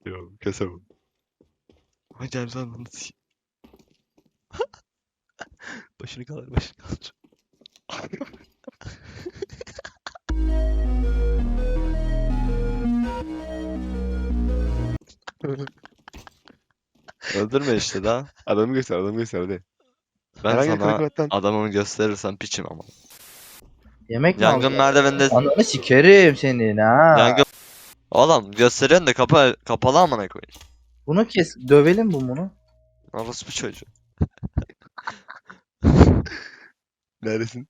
Yok kesemem. Hocam sen bunu başını kaldır, başını kaldır. Öldürme işte daha. Adamı göster hadi. Ben Herhangi bir sana karakterden. adamımı gösterirsem piçim ama. Yemek mi Yangın aldın? merdiveninde Ananı sikerim senin ha. yangın... Oğlum gösteriyorsun da kapalı amına koyayım. Bunu kes. Dövelim bunu. Orospu çocuğu. Neredesin?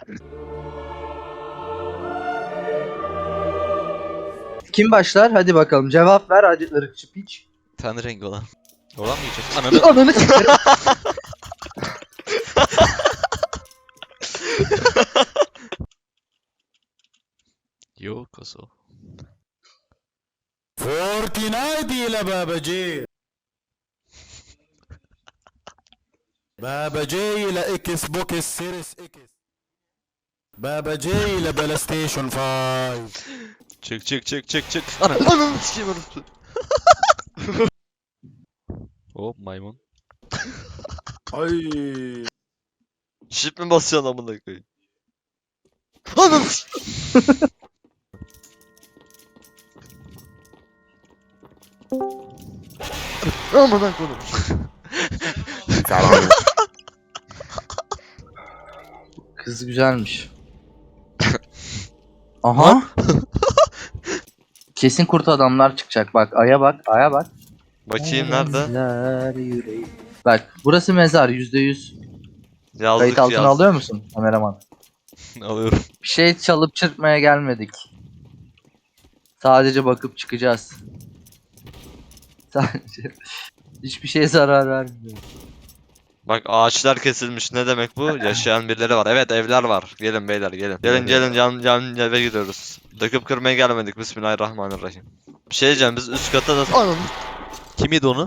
Kim başlar? Hadi bakalım. Cevap ver hadi ırkçı piç. Ten rengi olan. Oradan mı geçiyorsun? Ananı... Ananı sikerim. Yok oso. فورتنايت يا بابا جي بابا جاي لاكس بوكس سيريس اكس بابا جاي لبلاي ستيشن 5 Çık. Ananı sikeyim orospu. Hop maymun. اي Shift mi basıyorsun amına koyayım? Ananı Amına koyayım. Kız güzelmiş. Aha. Kesin kurt adamlar çıkacak. Bak aya bak. Aya bak. Bakayım nerede? Mezar yüreği. Bak burası mezar %100. Yazdık Kayıt altına yazdık. alıyor musun kameraman? Alıyorum. Bir şey çalıp çırpmaya gelmedik. Sadece bakıp çıkacağız. Sadece. Hiçbir şeye zarar vermiyor. Bak ağaçlar kesilmiş. Ne demek bu? Yaşayan birileri var. Evet evler var. Gelin beyler gelin. Gelin yan eve gidiyoruz. Döküp kırmaya gelmedik. Bismillahirrahmanirrahim. Bir şey diyeceğim biz üst kata da... Anam. Kim yedi onu?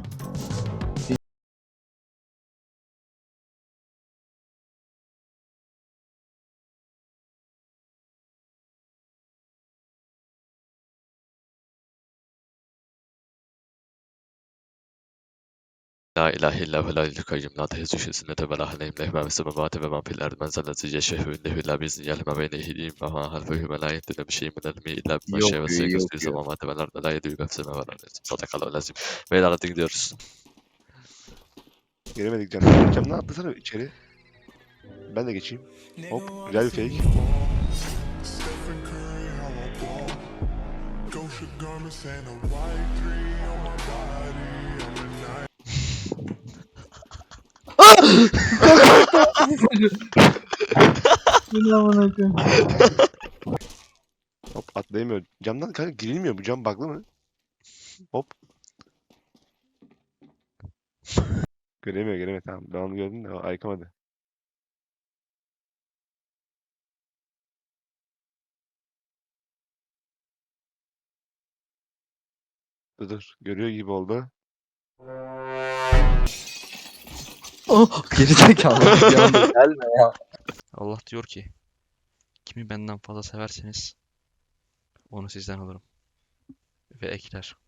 La ilahe illa ve la ilahe kayyum la tehezu sünnete ve la haleyim lehme ve semavati ve man fil erdi men zellezi yeşehu innehu la bizni yelme ve nehidiyim ve ma halfehu ve la yehdine bir şeyin min elmi illa bima Yok şey ve yok seykız yok. bir semavati ve lerde la yedü ve seme ve la sadakalı lazim. Beyler hadi gidiyoruz. Giremedik canım. Camdan atlasana içeri. Ben de geçeyim. Hop güzel bir fake. Stephen Curry, how I ball. Gosha garments and a white three on my body. I'm a night. Hop atlayamıyor. Camdan kanka girilmiyor. Bu cam bug'lı mı? Hop. Göremiyor. Tamam. Ben onu gördüm de o ayıkamadı. Dur. Görüyor gibi oldu. Oh, geri zekalı. Bir anda gelme ya. Allah diyor ki kimi benden fazla severseniz onu sizden alırım. Ve ekler.